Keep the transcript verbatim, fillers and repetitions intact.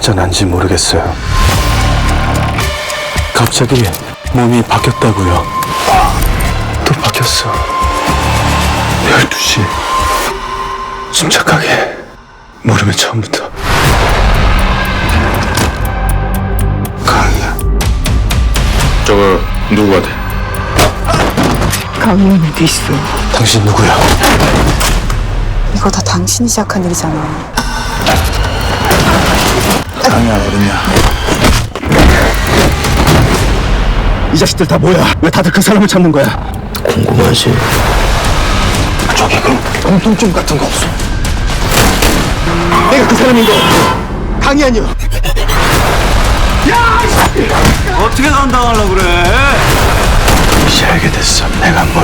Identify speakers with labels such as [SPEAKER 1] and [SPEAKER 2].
[SPEAKER 1] 가짜 난지 모르겠어요. 갑자기 몸이 바뀌었다고요. 또 바뀌었어. 열두 시. 침착하게. 모르면 처음부터. 강이야.
[SPEAKER 2] 저거 누구가 돼?
[SPEAKER 3] 강의는 어디 있어?
[SPEAKER 1] 당신 누구야?
[SPEAKER 3] 이거 다 당신이 시작한 일이잖아.
[SPEAKER 1] 강이야 어딨냐? 이 자식들 다 뭐야? 왜 다들 그 사람을 찾는 거야? 궁금하지? 저기 그럼 공통점 같은 거 없어? 내가 그 사람인 거 강이 아니야.
[SPEAKER 4] 어떻게 감당하려고 그래?
[SPEAKER 1] 이제 알게 됐어. 내가 뭘